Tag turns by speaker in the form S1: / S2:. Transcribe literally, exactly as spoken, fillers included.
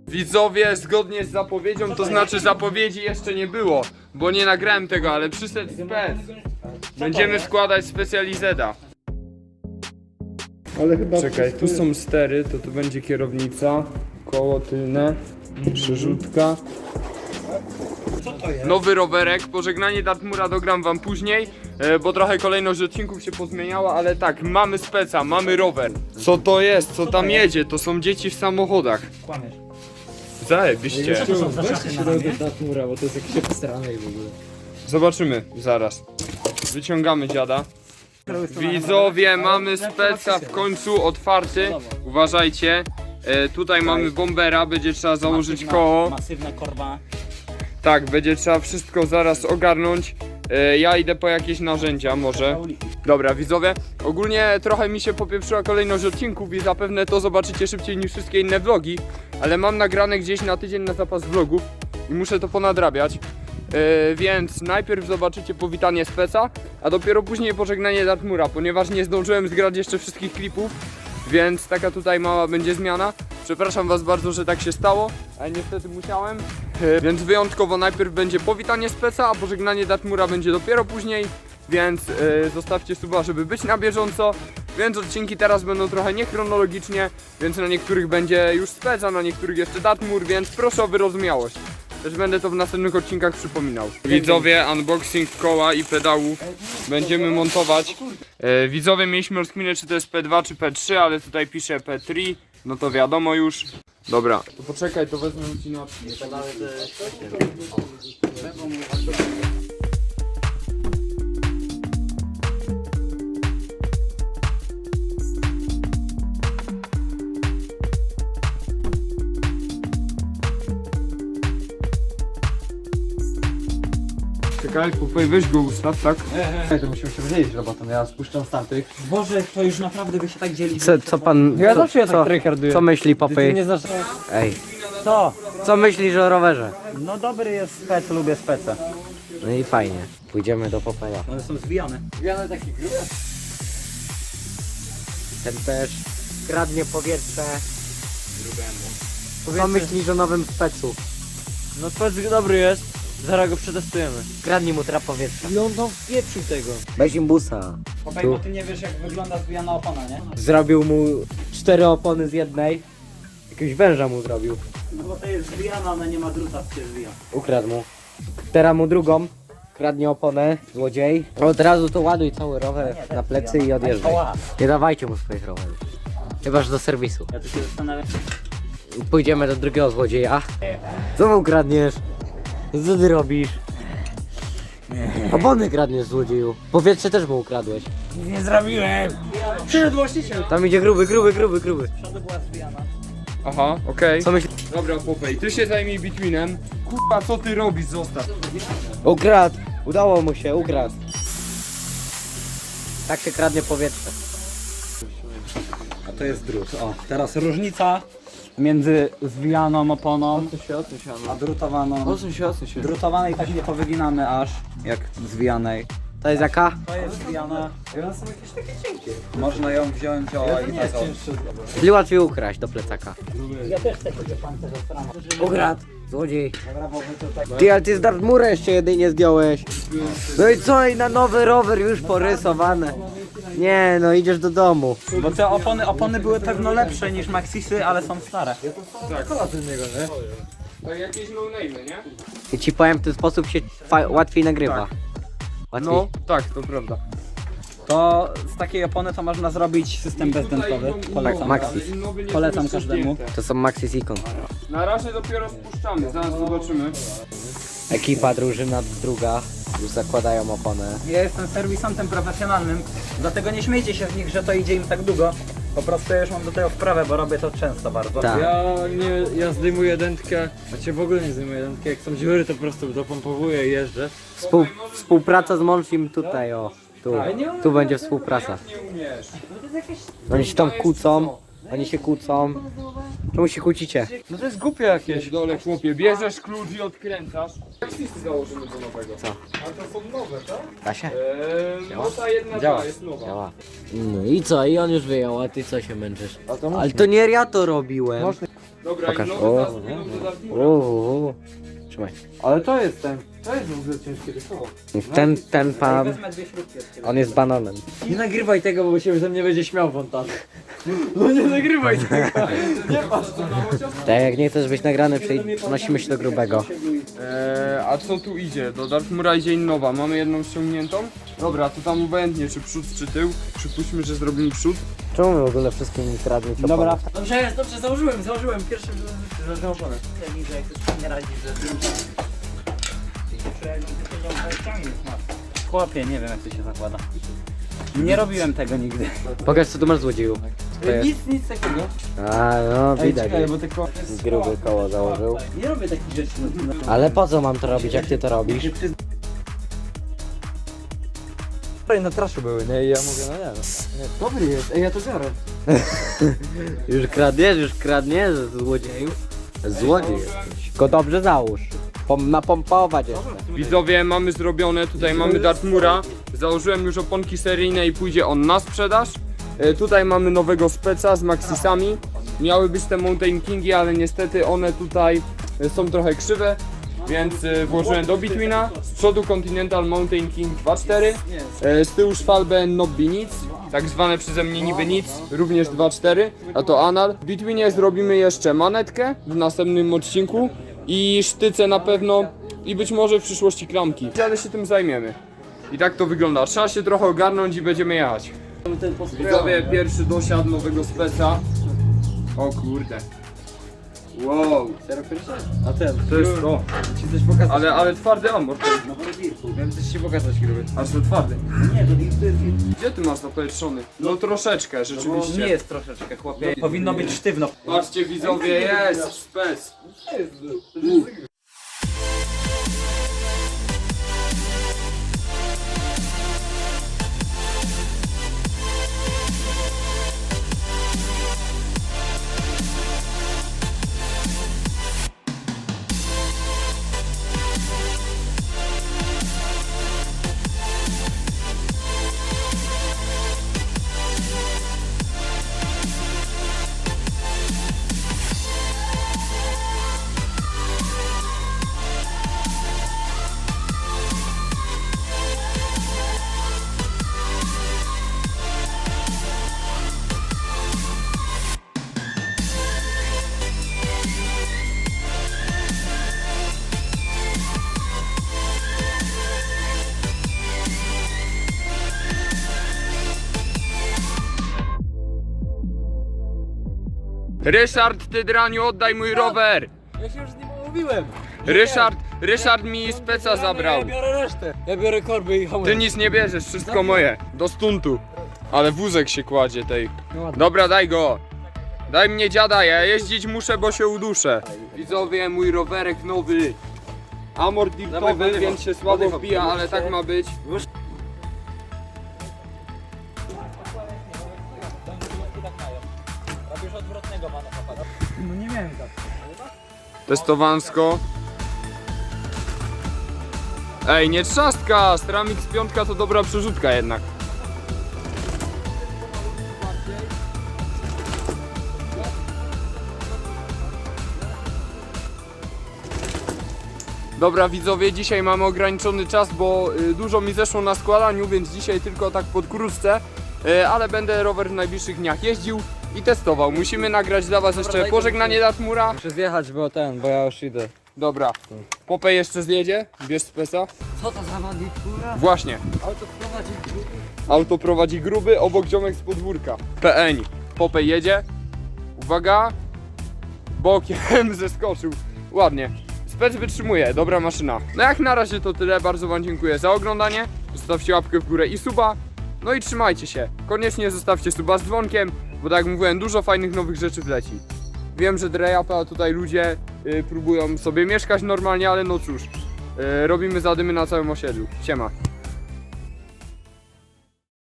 S1: Widzowie, zgodnie z zapowiedzią, to znaczy zapowiedzi jeszcze nie było, bo nie nagrałem tego, ale przyszedł spec. Będziemy składać specjalizeda.
S2: Ale chyba
S1: Czekaj, tu są stery, to tu będzie kierownica, koło tylne, przerzutka. Nowy rowerek, pożegnanie Dartmoora dogram wam później, e, bo trochę kolejność odcinków się pozmieniała, ale tak, mamy speca, mamy rower. Co to jest? Co tam jedzie? To są dzieci w samochodach.
S3: Kłamiesz.
S1: Zajebiście.
S2: weźcie się do Dartmoora, bo to jest jakieś obstrane i w ogóle.
S1: Zobaczymy zaraz. Wyciągamy dziada. Widzowie, mamy speca w końcu otwarty. Uważajcie. E, tutaj mamy bombera, będzie trzeba założyć koło.
S3: Masywna korba.
S1: Tak, będzie trzeba wszystko zaraz ogarnąć. E, ja idę po jakieś narzędzia może. Dobra, widzowie, ogólnie trochę mi się popieprzyła kolejność odcinków i zapewne to zobaczycie szybciej niż wszystkie inne vlogi. Ale mam nagrane gdzieś na tydzień na zapas vlogów i muszę to ponadrabiać. Yy, więc najpierw zobaczycie powitanie speca, a dopiero później pożegnanie Dartmoora, ponieważ nie zdążyłem zgrać jeszcze wszystkich klipów, więc taka tutaj mała będzie zmiana. Przepraszam was bardzo, że tak się stało, ale niestety musiałem. Yy, więc wyjątkowo najpierw będzie powitanie speca, a pożegnanie Dartmoora będzie dopiero później, więc yy, zostawcie suba, żeby być na bieżąco. Więc odcinki teraz będą trochę niechronologicznie, więc na niektórych będzie już spec, a na niektórych jeszcze Dartmoor, więc proszę o wyrozumiałość. Też będę to w następnych odcinkach przypominał. Widzowie, unboxing koła i pedałów będziemy montować. E, widzowie, mieliśmy rozkminę, czy to jest P dwa czy P trzy, ale tutaj pisze P trzy, no to wiadomo już. Dobra, to poczekaj, to wezmę ci na... Czekaj, Popej, weź go ustaw, tak?
S2: Nie, to musimy się podzielić robotą, ja spuszczam z tamtych.
S3: Boże, to już naprawdę wy się tak dzieli.
S4: Co, co pan.
S2: Ja
S4: co,
S2: zawsze ja
S4: co,
S2: tak tryharduję.
S4: co myśli
S2: Ty
S4: Popej?
S2: nie znasz...
S4: Ej,
S3: Co?
S4: co myślisz o rowerze?
S3: No dobry jest spec, lubię speca.
S4: No i fajnie. Pójdziemy do Popeja.
S3: One są zwijane.
S2: Wiany taki grób.
S4: Ten też kradnie powietrze. Co myślisz o nowym specu?
S2: No spec dobry jest, zaraz go przetestujemy.
S4: Kradnij mu teraz powietrze.
S2: I on tam wpieprzył tego.
S4: Weź im busa.
S3: Popej, bo ty nie wiesz jak wygląda zwijana opona, nie?
S4: Zrobił mu cztery opony z jednej. Jakiegoś węża mu zrobił.
S3: No bo to jest zwijana, ona nie ma druta, się zwija.
S4: Ukradł mu. Teraz mu drugą. Kradnie oponę, złodziej. Od razu to ładuj cały rower na plecy i odjeżdżaj. Nie dawajcie mu swoich rowerów. Chyba że do serwisu.
S3: Ja tu się zastanawiam.
S4: Pójdziemy do drugiego złodzieja. Co mu kradniesz? Co ty robisz? Opony kradniesz, złodzieju. Powietrze też mu ukradłeś.
S3: Nie zrobiłem! Przyszedł właściciel!
S4: Tam idzie gruby, gruby, gruby, gruby.
S3: Przodu była zwijana.
S1: Aha, okej.
S4: Co myślisz?
S1: Dobra, Popej, ty się zajmij bitwinem. Kurwa, co ty robisz? Zostaw.
S4: Ukradł. Udało mu się, ukradł. Tak się kradnie powietrze.
S3: A to jest drut. O, teraz różnica między zwijaną oponą a drutowaną.
S2: Odsuń się, odsuń się.
S3: Drutowanej tak nie powyginamy aż, jak zwijanej.
S4: To jest jaka?
S3: To jest zwijana. I one są jakieś takie cienkie. Można ją wziąć o i tak o.
S4: Czyli łatwiej ukraść do plecaka.
S3: Ja też chcę kupić pancerz od strony.
S4: Ukradł. Złodziej.
S3: Dobra, bo wy tutaj...
S4: Ty, ale ty z Dartmoora jeszcze jedynie zdjąłeś. No i co? I na nowy rower już porysowane. Nie, no idziesz do domu.
S3: Bo te opony, opony były pewno lepsze niż Maxisy, ale są stare.
S1: Tak, jakieś no-name, nie?
S4: I ci powiem, w ten sposób się fa- łatwiej nagrywa. Łatwiej.
S1: No, tak, to prawda.
S3: To z takiej opony to można zrobić system bezdętowy. Polecam.
S4: Maxis.
S3: Polecam każdemu.
S4: To są Maxis Icon.
S1: Na razie dopiero spuszczamy, zaraz zobaczymy.
S4: Ekipa, drużyna druga. Już zakładają oponę.
S3: Ja jestem serwisantem profesjonalnym, dlatego nie śmiejcie się z nich, że to idzie im tak długo. Po prostu ja już mam do tego wprawę, bo robię to często bardzo.
S4: Tak.
S2: Ja nie, ja zdejmuję dętkę, a cię w ogóle nie zdejmuję dętkę. Jak są dziury, to po prostu dopompowuję i jeżdżę.
S4: Współ, współpraca z Monchim tutaj, o. Tu, tu będzie współpraca.
S1: Nie umiesz.
S4: Oni się tam kłócą. Oni się kłócą. Czemu się kłócicie?
S2: No to jest głupie jakieś.
S1: W dole, chłopie, bierzesz klucz i odkręcasz. Jak listy założymy do nowego?
S4: Co?
S1: Ale to są nowe, tak?
S4: Da się?
S1: Eee, no ta jedna
S4: Działa.
S1: ta jest nowa.
S4: Działa. No i co? I on już wyjął, a ty co się męczysz?
S2: A to
S4: Ale to nie ja to robiłem.
S2: Można.
S1: Dobra,
S4: Pokaż.
S1: i
S4: O.
S1: nowy zaraz pójdą do Dartmoora.
S4: Uuu. Trzymaj.
S2: Ale to jest ten, to jest w ogóle ciężkie rysowo.
S4: Ten, ten pan, on jest bananem.
S2: Nie nagrywaj tego, bo się ze mnie będzie śmiał wątan. No nie nagrywaj tego. Nie patrz to na chociaż.
S4: Tak jak nie chcesz być nagrany, przenosimy się do grubego.
S1: Eee, a co tu idzie? Do Dartmoora idzie innowa. Mamy jedną ściągniętą. Dobra, to tam obojętnie, czy przód, czy tył. Przypuśćmy, że zrobimy przód.
S4: Czemu wy w ogóle wszystkim mi kradniecie opony?
S3: Dobra.
S2: Dobrze jest, dobrze, założyłem, założyłem pierwszy że że oponę.
S3: Chłopie, nie wiem jak to się zakłada. Nie robiłem tego nigdy.
S4: Pokaż co tu masz złodzieju. To jest-
S2: Nic, nic takiego.
S4: A no
S2: Ej,
S4: widać.
S2: czekaj, bo tylko...
S4: Gruby koło założył.
S2: Nie robię takich rzeczy.
S4: Ale po co mam to robić, jak ty to robisz?
S2: Wczoraj na traszu były, nie? I ja mówię, no nie no. Dobry jest, ej ja to biorę.
S4: Już kradniesz, już kradniesz, złodzieju. Złodziej jesteś. Tylko dobrze załóż. Pom napompować jeszcze.
S1: Widzowie, mamy zrobione, tutaj mamy Dartmoora. Założyłem już oponki seryjne i pójdzie on na sprzedaż. E, tutaj mamy nowego speca z Maxisami. Miały być te Mountain Kingi, ale niestety one tutaj e, są trochę krzywe. Więc e, włożyłem do Betweena. Z przodu Continental Mountain King dwa cztery. E, z tyłu Schwalbe Nobby nic. Tak zwane przeze mnie niby nic. Również dwa cztery. A to anal. W Betweenie zrobimy jeszcze manetkę w następnym odcinku. I sztyce na pewno. I być może w przyszłości klamki. Ale się tym zajmiemy. I tak to wygląda. Trzeba się trochę ogarnąć i będziemy jechać. Widzowie, pierwszy dosiad nowego speca. O kurde. Wow.
S2: A ten,
S1: To jest to.
S2: ci coś pokazać.
S1: Ale, ale twardy amor.
S2: Miałem coś ci pokazać, gruby.
S1: Aż to twardy. Gdzie ty masz zapowietrzony? No troszeczkę, rzeczywiście.
S3: Nie jest troszeczkę, chłopie. Powinno być sztywno.
S1: Patrzcie widzowie, jest spec. Ryszard, ty draniu, oddaj mój rower!
S2: Ja się już z nim umówiłem.
S1: Ryszard, Ryszard mi speca zabrał.
S2: Ja biorę resztę. Ja biorę korby i hamuję.
S1: Ty nic nie bierzesz, wszystko moje. Do stuntu. Ale wózek się kładzie tej. Dobra, daj go. Daj mnie dziada, ja jeździć muszę, bo się uduszę. Widzowie, mój rowerek nowy. Amor driftowy, więc się słabo wbija, ale tak ma być.
S2: No nie miałem tak.
S1: Testowansko. Ej, nie trzastka! Stramix pięć to dobra przerzutka jednak. Dobra widzowie, dzisiaj mamy ograniczony czas, bo y, dużo mi zeszło na składaniu, więc dzisiaj tylko tak podkrótce, y, ale będę rower w najbliższych dniach jeździł i testował. Musimy nagrać dla was jeszcze pożegnanie Dartmoora.
S2: Muszę zjechać, bo ten, bo ja już idę.
S1: Dobra, Popej jeszcze zjedzie, bierz spesa.
S2: Co to za wady, kurwa?
S1: Właśnie,
S2: Auto prowadzi.
S1: auto prowadzi gruby, obok ziomek z podwórka. P N. Popej jedzie. Uwaga. Bokiem zeskoczył. Ładnie. Spec wytrzymuje, dobra maszyna. No jak na razie to tyle, bardzo wam dziękuję za oglądanie. Zostawcie łapkę w górę i suba. No i trzymajcie się. Koniecznie zostawcie suba z dzwonkiem, bo tak jak mówiłem, dużo fajnych nowych rzeczy wleci. Wiem, że Drejapa tutaj ludzie y, próbują sobie mieszkać normalnie, ale no cóż. Y, robimy zadymy na całym osiedlu. Siema.